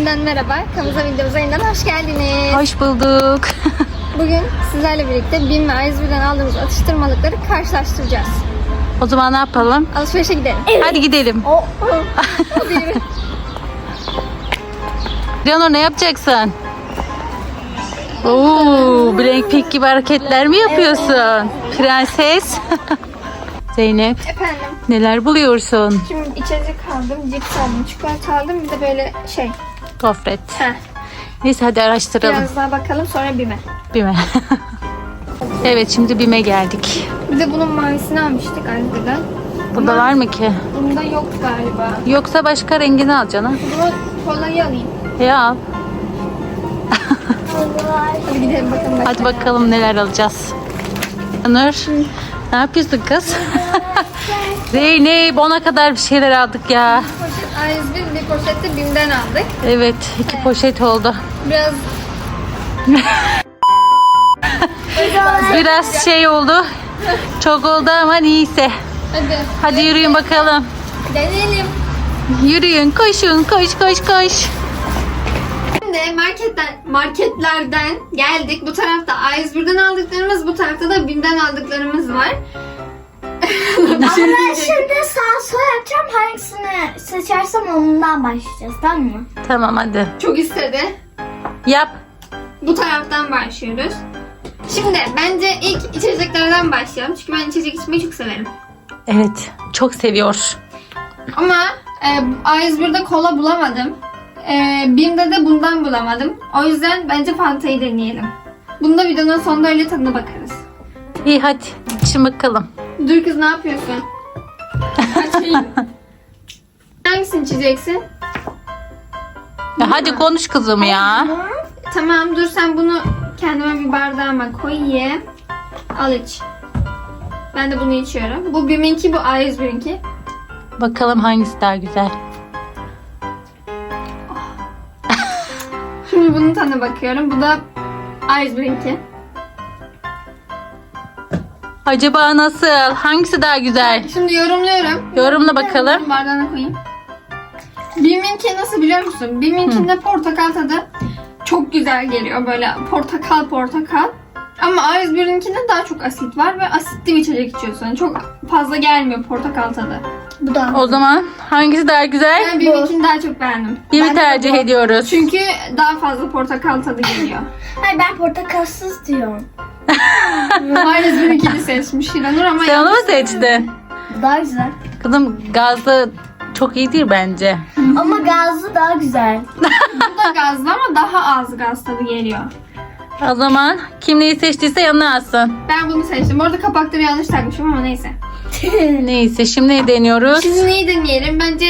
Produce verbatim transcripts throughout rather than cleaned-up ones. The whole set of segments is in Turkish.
Yeniden merhaba. Kanalımıza, videomuza yeniden hoş geldiniz. Hoş bulduk. Bugün sizlerle birlikte BİM ve A yüz bir'den aldığımız atıştırmalıkları karşılaştıracağız. O zaman ne yapalım? Alışverişe gidelim. Hadi gidelim. Oh, oh. Hadi yürü. Leonor, ne yapacaksın? Oo, Blackpink gibi hareketler mi yapıyorsun? Prenses. Zeynep, Efendim. neler buluyorsun? Şimdi içecek aldım, cips aldım, çikolata aldım. Bir de böyle şey. Gofret. Heh. Neyse hadi araştıralım. Biraz daha bakalım, sonra BİM'e. BİM'e. Evet, şimdi BİM'e geldik. Bir de bunun mavisini almıştık Aydın'dan. Burada var mı ki? Bunda yok galiba. Yoksa başka rengini al canım. Bunu kolayı alayım. Ya al. Hadi gidelim bakalım. Hadi bakalım neler alacağız. Nur, ne yapıyorsun kız? Zeynep, ona kadar bir şeyler aldık ya. Poşet A yüz bir, bir poşette BİM'den aldık. Evet, iki poşet oldu. Biraz Biraz şey oldu. Çok oldu ama neyse. hadi. Hadi yürüyün bakalım. Deneyelim. Yürüyün, koşun, koş koş koş. Şimdi marketten, marketlerden geldik. Bu tarafta A yüz bir'den aldıklarımız, bu tarafta da BİM'den aldıklarımız var. Ama ben şimdi sağ sol yapacağım. Hangisini seçersem ondan başlayacağız, tamam mı? Tamam hadi. Çok istedi. Yap. Bu taraftan başlıyoruz. Şimdi bence ilk içeceklerden başlayalım. Çünkü ben içecek içmeyi çok severim. Evet, çok seviyor. Ama e, A yüz bir'de kola bulamadım. E, BİM'de de bundan bulamadım. O yüzden bence Fanta'yı deneyelim. Bunda videonun sonunda öyle tadına bakarız. İyi hadi, için bakalım. Dur kız, ne yapıyorsun? Açayım. Hangisini içeceksin? Ya hadi konuş kızım ya. Tamam, dur sen bunu kendime bir bardağıma koyayım. Al iç. Ben de bunu içiyorum. Bu BİM'inki, bu A yüz bir'inki. Bakalım hangisi daha güzel. Şimdi bunun tadına bakıyorum. Bu da A yüz bir'inki. Acaba nasıl? Hangisi daha güzel? Şimdi yorumluyorum. Yorumla bakalım. Bardağına koyayım. BİM'inki nasıl biliyor musun? BİM'inkinde portakal tadı çok güzel geliyor. Böyle portakal portakal. Ama A yüz bir'inkinde daha çok asit var ve asitli bir içecek içiyorsun. Çok fazla gelmiyor portakal tadı. Bu da. O zaman hangisi daha güzel? Ben BİM'inkini daha çok beğendim. BİM'i tercih ediyoruz. Çünkü daha fazla portakal tadı geliyor. Hayır, ben portakalsız diyorum. A yüz bir'inkini seçmiş Hiranur ama Sen onu mu yanlış seçtin? Bu daha güzel. Kızım, gazlı çok iyi değil bence. Ama gazlı daha güzel. Bu da gazlı ama daha az gaz tadı geliyor. O zaman kim neyi seçtiyse yanına alsın. Ben bunu seçtim. Bu arada kapakları yanlış takmışım ama neyse. Neyse, şimdi ne deniyoruz? Şimdi neyi deneyelim? Bence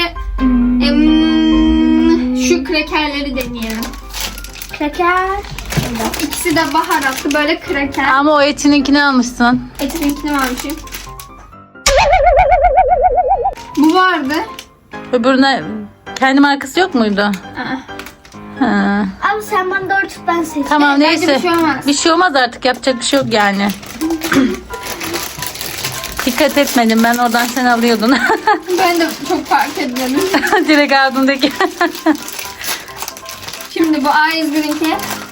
em, şu krekerleri deneyelim. Kraker. İkisi de baharatlı böyle kreker. Ama o etininkini almışsın. Etininkini mi almışım? Bu vardı. Öbürüne kendi markası yok muydu? Aa. Ha. Ama sen bana doğru tut, ben seçeyim. Tamam Bence neyse. bir şey olmaz. Bir şey olmaz artık, yapacak bir şey yok yani. Dikkat etmedim, ben oradan sen alıyordun. Ben de çok fark etmedim. Direkt ağzımdaki. Şimdi bu A yüz bir'inki.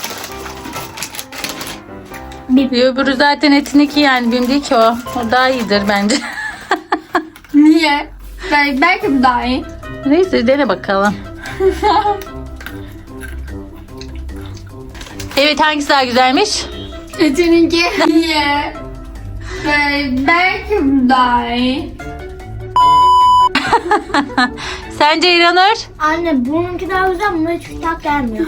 Öbürü zaten etiniki yani, benim değil ki o. O daha iyidir bence. Niye? Belki, belki bu daha iyi. Neyse, dene bakalım. Evet, hangisi daha güzelmiş? Etininki. Niye? Bel- Belki bu daha iyi. Sence İranur? Anne, bununki daha güzel, buna hiç tat gelmiyor.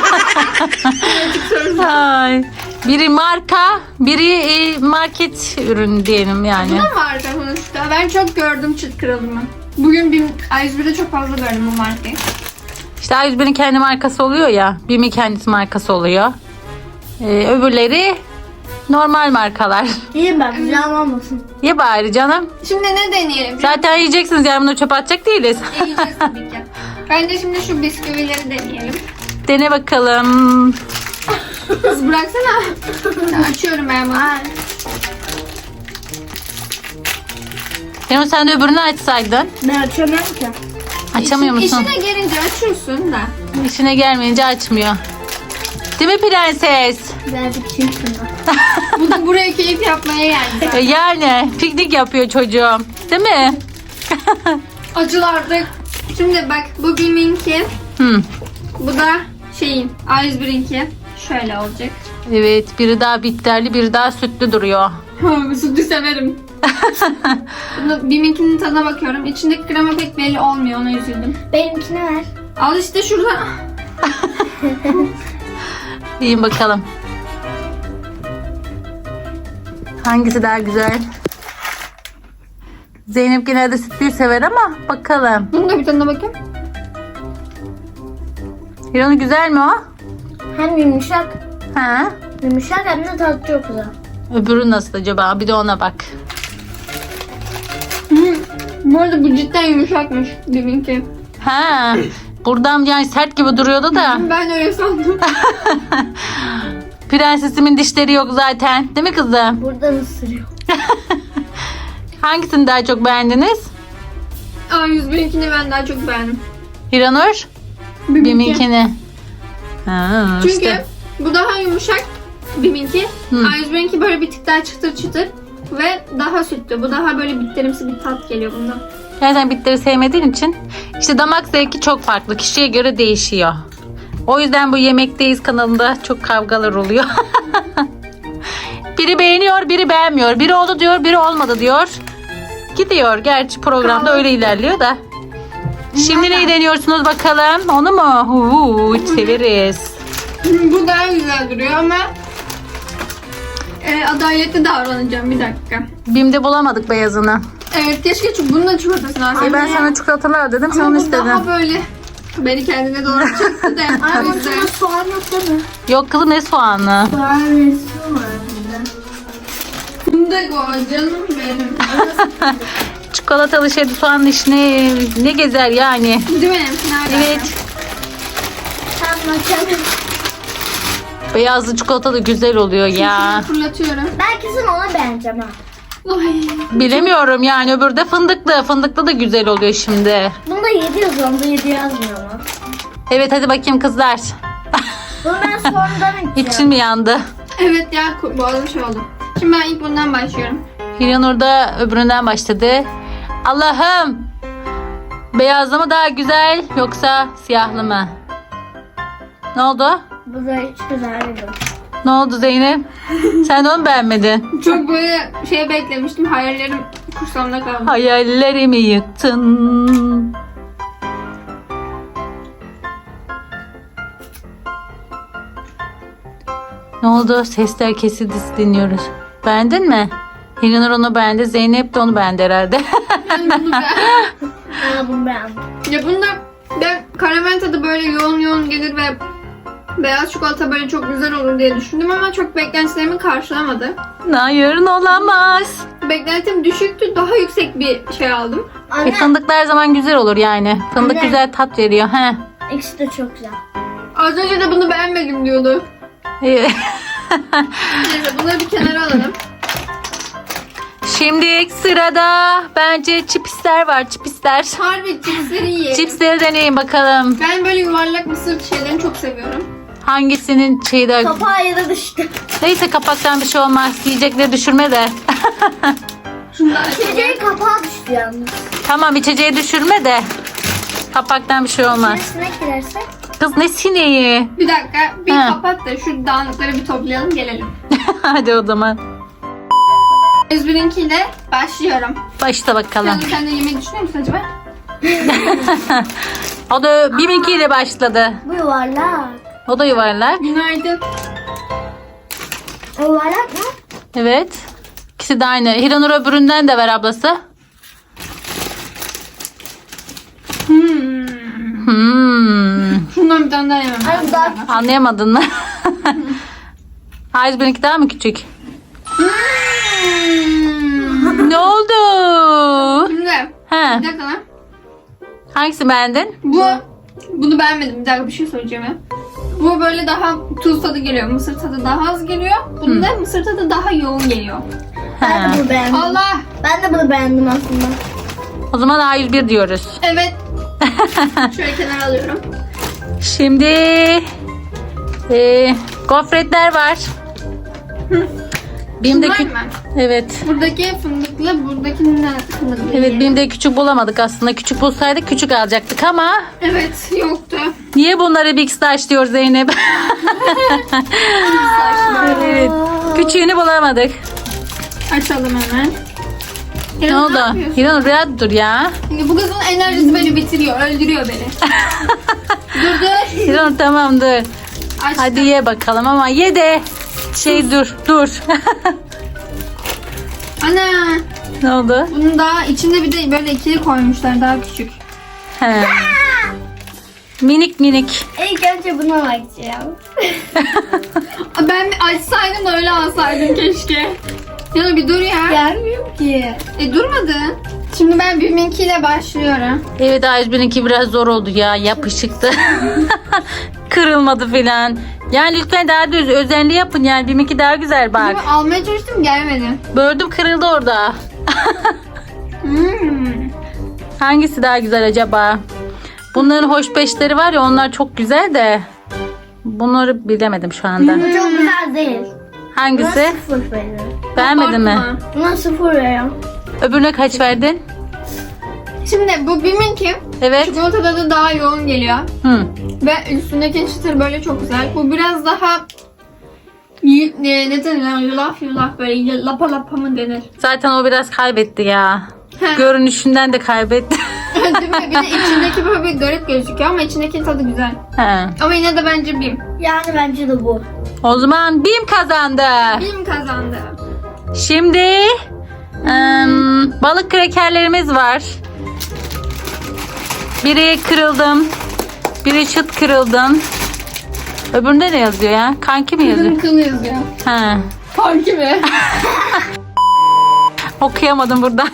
Ay. Biri marka, biri e, market ürünü diyelim yani. Bu da vardı sonuçta. Ben çok gördüm çıt kralımı. Bugün bir A yüz bir'de çok fazla gördüm bu markayı. İşte A yüz bir'in kendi markası oluyor ya. BİM'in kendisi markası oluyor. Ee, öbürleri normal markalar. Diyeyim ben, güzel olmasın. Ye bari canım. Şimdi ne deneyelim? Zaten yiyeceksiniz yani, bunu çöpe atacak değiliz. Yiyeceğiz tabii ki. Bence şimdi şu bisküvileri deneyelim. Dene bakalım. Kız bıraksana. Açıyorum ben bunu. Demin sen de öbürünü açsaydın. Ben açamıyorum ki. Açamıyor İşin- musun? İşine gelince açıyorsun da. İşine gelmeyince açmıyor. Değil mi prenses? Birazcık çirkin. Bu da buraya keyif yapmaya geldi. E, Yani piknik yapıyor çocuğum. Değil mi? Acılardık. Şimdi bak bu Bim'inki. Hı. Bu da şeyin A yüz bir'inki. Şöyle olacak. Evet, biri daha bitterli, biri daha sütlü duruyor. Sütü severim. Bunu Bim'inkinin tadına bakıyorum. İçindeki krema pek belli olmuyor. Ona üzüldüm. Benimkini ver. Al işte şurada. Yiyin bakalım. Hangisi daha güzel? Zeynep genelde sütlüyü sever ama bakalım. Bunu da bir tadına bakayım. Hiranur güzel mi o? Hem yumuşak, Ha? yumuşak hem de tadı çok güzel. Öbürü nasıl acaba? Bir de ona bak. Hı. Bu arada bu cidden yumuşakmış Bim'inki. Ha. Buradan yani sert gibi duruyordu da. Ben öyle sandım. Prensesimin dişleri yok zaten. Değil mi kızım? Buradan ısırıyor. Hangisini daha çok beğendiniz? A yüz bir'inkini ben daha çok beğendim. Hiranur? Bim'inki. Bim'inkini. Ha, Çünkü işte. bu daha yumuşak Bim'inki. Hı. A yüz bir'inki böyle bir tık daha çıtır çıtır. Ve daha sütlü. Bu daha böyle bitterimsi bir tat geliyor bundan. Zaten bitleri sevmediğin için işte damak zevki çok farklı. Kişiye göre değişiyor. O yüzden bu Yemekteyiz kanalında çok kavgalar oluyor. Biri beğeniyor, biri beğenmiyor. Biri oldu diyor, biri olmadı diyor. Gidiyor. Gerçi programda öyle ilerliyor da. Şimdi neyi deniyorsunuz bakalım? Onu mu? Uuu, severiz. Bu daha güzel duruyor ama e, adaletli davranacağım bir dakika. Bim'de bulamadık beyazını. Evet keşke çünkü bunun da çikolatasını alsaydım. Ay ben sana çikolatalar dedim, sen Ama onu bu daha istedin. böyle beni kendine doğru çekti de. Ay O bunun yüzden- içine soğan atsana. Yok kızım, ne soğanı? Soğan resmi var burada. Fındık o canım benim. Çikolatalı şeydi, soğanın içine ne gezer yani? Değil mi? Nerede? Evet. Tamam açalım. Beyazlı çikolata da güzel oluyor ya. Fırlatıyorum. Ben kesin onu beğeneceğim ha. Ay. Bilemiyorum yani, öbürü de fındıklı. Fındıklı da güzel oluyor şimdi. Bunda yedi yazıyor, onda yedi yazmıyor mu? Evet hadi bakayım kızlar. Bunu ben sonradan içeceğim. İçin mi yandı? Evet ya boğazım şey oldu. Şimdi ben ilk bundan başlıyorum. Hiranur da öbüründen başladı. Allah'ım. Beyazlı mı daha güzel yoksa siyahlı mı? Ne oldu? Bu da hiç güzel değil. Ne oldu Zeynep? Sen de onu beğenmedin. Çok böyle şey beklemiştim. Hayallerim kursağımda kaldı. Hayallerimi yıktın. Ne oldu? Sesler kesildi, dinliyoruz. Beğendin mi? Hiranur onu beğendi. Zeynep de onu beğendi herhalde. Ben bunu ben... Ha bunu beğendim. Ya bunda ben karamel tadı böyle yoğun yoğun gelir ve beyaz çikolata böyle çok güzel olur diye düşündüm ama çok beklentilerimi karşılamadı. Hayır, olamaz. Beklentim düşüktü. Daha yüksek bir şey aldım. E, Anne, fındıklar her zaman güzel olur yani. Fındık Anne. güzel tat veriyor. He. ikisi de çok güzel. Az önce de bunu beğenmedim diyordu. E, Neyse bunları bir kenara alalım. Şimdi sırada bence çipsler var. Çipsler. Harbi cipsleri yiyelim. Çipsleri deneyin bakalım. Ben böyle yuvarlak mısır şeylerini çok seviyorum. Hangisinin şeyi de... Kapağı ya da düştü. Neyse kapaktan bir şey olmaz. Yiyecekleri düşürme de. Şundan açalım. Gecenin kapağı düştü yalnız. Tamam, içeceği düşürme de. Kapaktan bir şey olmaz. İçine sinek girerse. Kız ne sineği? Bir dakika bir Ha. kapat da şu dağınıkları bir toplayalım gelelim. Hadi o zaman. yüz birinkiyle başlıyorum. Başla bakalım. Sen de, sen de yemeği düşünüyor musun acaba? O da biminkiyle başladı. Bu yuvarlak. O da yuvarlak. Günaydın. O yuvarlak mı? Evet. İkisi de aynı. Hiranur öbüründen de ver ablası. Hmm. Hmm. Şundan bir tane daha yemem. Ay bu daha Anlayamadın mı? Hayır, benimki daha mı küçük? Hmm. Ne oldu? Şimdi Ha, bir dakika lan. hangisi beğendin? Bu bunu beğenmedim. Bir dakika bir şey söyleyeceğim ya. Bu böyle daha tuz tadı geliyor. Mısır tadı daha az geliyor. Bunda mısır tadı daha yoğun geliyor. ben Ha. de bunu beğendim. Allah. Ben de bunu beğendim aslında. O zaman A yüz bir diyoruz. Evet. Şöyle kenara alıyorum. Şimdi e, gofretler var. Benim de Bunlar kü- mı? Evet. Buradaki fındıklı, buradaki ne fındıklı? Evet, değil. benim de küçük bulamadık aslında. Küçük bulsaydık küçük alacaktık ama Evet, yoktu. niye bunları Big Stash diyor Zeynep? Evet. Küçüğünü bulamadık. Açalım hemen. Ne İranur, oldu? yapıyorsun? İranur biraz dur ya. Şimdi bu kızın enerjisi beni bitiriyor, öldürüyor beni. dur dur. İranur tamam dur. Açtım. Hadi ye bakalım ama ye de şey dur dur. Ana. Ne oldu? Bunun daha içinde bir de böyle ikili koymuşlar, daha küçük. He. Minik minik. İlk önce buna bakacağım. Ben bir açsaydım da öyle alsaydım keşke. Ya bir dur ya. Gelmiyor ki. E durmadı. Şimdi ben Biminkiyle başlıyorum. Evet A yüz birinki biraz zor oldu ya. Yapışıktı. Kırılmadı filan. Yani lütfen daha düz özenli yapın yani. Biminki daha güzel bak. Ama almaya çalıştım, gelmedi. Böldüm kırıldı orada. Hmm. Hangisi daha güzel acaba? Bunların hoş beşleri var ya, onlar çok güzel de. Bunları bilemedim şu anda. Bu çok güzel değil. Buna Hangisi? sıfır veriyorum. Beğenmedin mi? Bakma. Buna sıfır veriyorum. Öbürüne kaç verdin? Şimdi bu Biminki Evet. çikolata tadı daha yoğun geliyor. Hı. Ve üstündeki çıtır böyle çok güzel. Bu biraz daha y- ne, ne denir? Yulaf yulaf böyle lapa lapa mı denir? Zaten o biraz kaybetti ya. He. Görünüşünden de kaybetti. Değil mi? Bir de içindeki böyle bir garip gözüküyor ama içindeki tadı güzel. He. Ama yine de bence Bim. Yani bence de bu. O zaman Bim kazandı. Bim kazandı. Şimdi ım, balık krekerlerimiz var. Biri kırıldım. Biri çıt kırıldım. Öbüründe ne yazıyor ya? Kanki mi yazıyor? Kızın kılı yazıyor. Ha. Farkı mı? Okuyamadım buradan.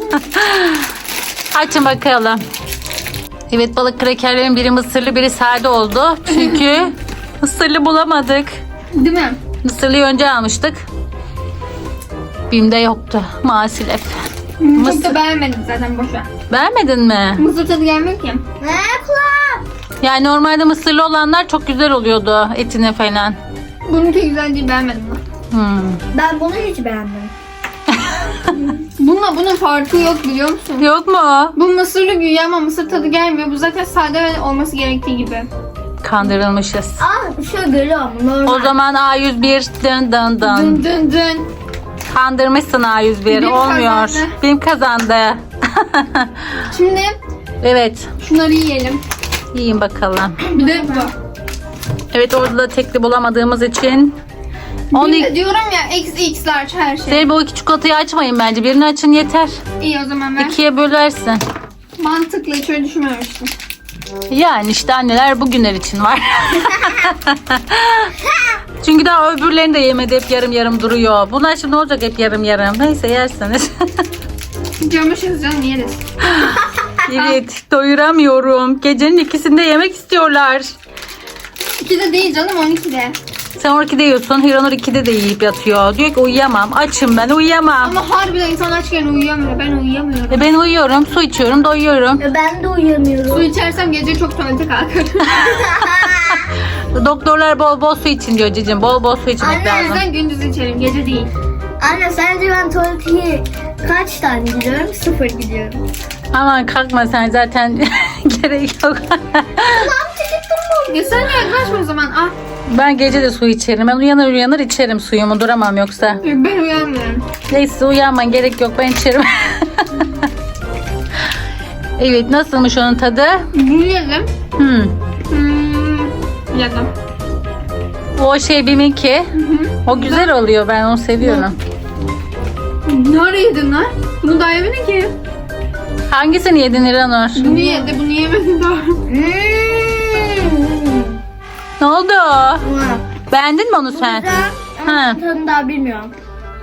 Açın bakalım. Evet, balık krekerlerin biri mısırlı biri sade oldu. Çünkü mısırlı bulamadık. Değil mi? Mısırlıyı önce almıştık. Bim'de yoktu maalesef. Hmm, Çok Mısır- da beğenmedim zaten, boşver. Beğenmedin mi? Mısır tadı gelmiyor ki. Ne kulağım? Yani normalde mısırlı olanlar çok güzel oluyordu etine falan. Bununki güzel değil, beğenmedim ben. Hmm. Ben bunu hiç beğenmedim. Bununla bunun farkı yok, biliyor musun? Yok mu? Bu mısırlı güya ama mısır tadı gelmiyor. Bu zaten sade ve olması gerektiği gibi. Kandırılmışız. Aa şöyle görüyorum. Normal. O zaman A yüz bir dın dın dın. Dın dın dın. Kandırmışsın A yüz bir. Bim Olmuyor. kazandı. Bim kazandı. Şimdi Evet. şunları yiyelim. Yiyin bakalım. Bir de bu. Evet, orada da tekli bulamadığımız için. Onu Bir de diyorum ya X X large her şey. Zeynep, o iki çikolatayı açmayın bence. Birini açın yeter. İyi o zaman ben. İkiye bölersin. Mantıklı, hiç öyle düşünmemiştim. Yani işte anneler bugünler için var. Çünkü daha öbürlerini de yemedi. Hep yarım yarım duruyor. Bunlar şimdi ne olacak hep yarım yarım. Neyse yersiniz. Camışız canım, yeriz. Evet, doyuramıyorum. Gecenin ikisinde yemek istiyorlar. ikide değil canım, on ikide. Sen on ikide yiyorsun. Hiranur ikide de yiyip yatıyor. Diyor ki uyuyamam. Açım ben, uyuyamam. Ama harbiden insan açken uyuyamıyor. Ben uyuyamıyorum. E ben uyuyorum. Su içiyorum. Doyuyorum. E, Ben de uyuyamıyorum. Su içersem gece çok tuvalete kalkarım. Doktorlar bol bol su için diyor cicim. Bol bol su içmek Anne, O lazım. yüzden gündüz içerim, gece değil. Anne sence ben tuvalete kaç tane gidiyorum? Sıfır gidiyorum. Aman kalkma sen, zaten gerek yok. Ya sen yaklaşma o zaman. Ah, Ben gece de su içerim. Ben uyanır uyanır içerim suyumu. Duramam yoksa. ben uyanmıyorum. Neyse, uyanman gerek yok. Ben içerim. Evet, nasılmış onun tadı? Yiyelim. Hmm. Hmm. Yedim. O şey Bim'inki. O güzel oluyor. Ben onu seviyorum. Ne ara yedin lan? Bunu daha yemedin ki. Hangisini yedin İranur? Bunu yedi, bunu yemedin daha. Hmm. Ne oldu? Wow. Beğendin mi onu sen? Güzel. Ha. Ama tadını daha bilmiyorum.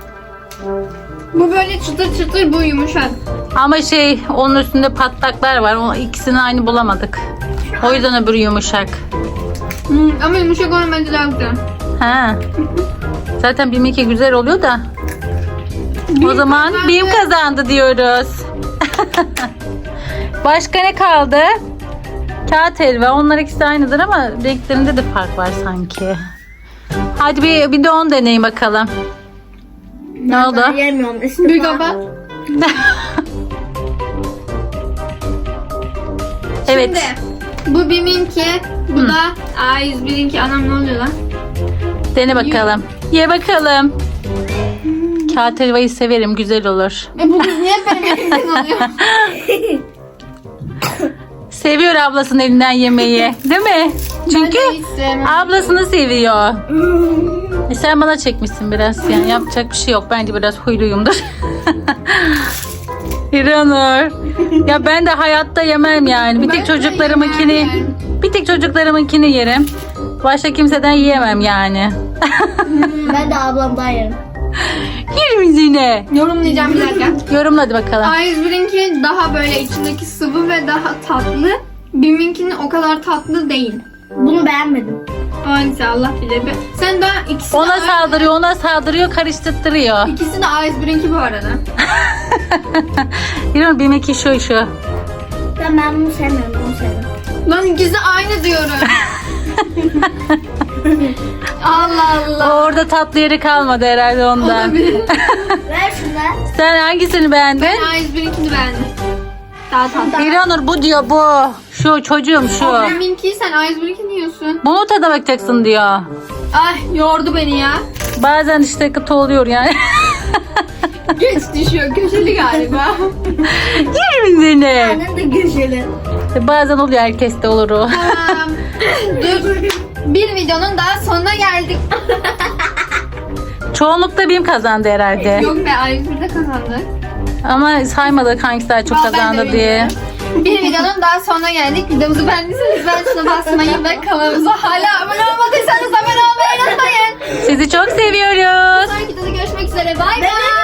Bu böyle çıtır çıtır, bu yumuşak. Ama şey, onun üstünde patlaklar var. O ikisini aynı bulamadık. O yüzden öbürü yumuşak. Hmm, ama yumuşak olan bence daha güzel. Ha. Zaten Bim'inki güzel oluyor da. O zaman kazandı. Bim kazandı diyoruz. Başka ne kaldı? Kağıt helva. Onlar ikisi de aynıdır ama renklerinde de fark var sanki. Hadi bir, bir de onu deneyin bakalım. Ne oldu? Ben yemiyorum. İstifa. Bir kapat. Evet. Şimdi bu Bim'inki, bu Hı. da A yüz bir'inki. Anam ne oluyor lan? Dene bakalım. Ye bakalım. Kağıt helvayı severim. Güzel olur. E bu kız niye benim elimden alıyor? Seviyor ablasının elinden yemeği. Değil mi? Çünkü Ben de hiç sevmem. ablasını seviyor. E sen bana çekmişsin biraz. Yani yapacak bir şey yok. Bence biraz huyluyumdur. İranur. Ya ben de hayatta yemem yani. Bir Ben tek de çocuklarımınkini yemem. bir tek çocuklarımınkini yerim. Başka kimseden yiyemem yani. Ben de ablamdan yerim. Yer misin yine? Yorumlayacağım bir dakika. Yorumla hadi bakalım. A yüz bir'inki daha böyle içindeki sıvı ve daha tatlı. Bim'inkinin o kadar tatlı değil. Bunu beğenmedim. Hangisi Allah bilir. be. Sen daha ikisi de Ona aynı- saldırıyor, ona saldırıyor, karıştırtırıyor. İkisi de A yüz bir'inki bu arada. İranur benimki şu şu. Ben, ben bunu sevmiyorum. Bunu seviyorum. Lan ikisi aynı diyorum. Allah Allah. Orada tatlı yeri kalmadı herhalde ondan. Olabilir. Ver şunu. Sen hangisini beğendin? Ben A yüz bir'inkini beğendim. Daha tatlı. İranur bu diyor bu. Şu çocuğum şu. O Bim'inki, sen A yüz bir'inkini yiyorsun. Bunu tadına bakacaksın diyor. Ay yordu beni ya. Bazen işte kıtı oluyor yani. Geç düşüyor, köşeli galiba. Yerim seni. Annen de güzeli. Bazen oluyor, herkeste olur o. Tamam. Dur. Bir videonun daha sonuna geldik. Çoğunlukla benim kazandı herhalde. Yok be, A yüz bir'de kazandık. Ama saymadık hangisi daha çok Vallahi ben de kazandı diye. bilmiyorum. Bir videonun daha sonuna geldik. Videomuzu beğendiyseniz ben şuna basmayı ve kanalımıza hala abone olmadıysanız abone olmayı unutmayın. Sizi çok seviyoruz. Sonraki videoda görüşmek üzere. Bay bay. Bebek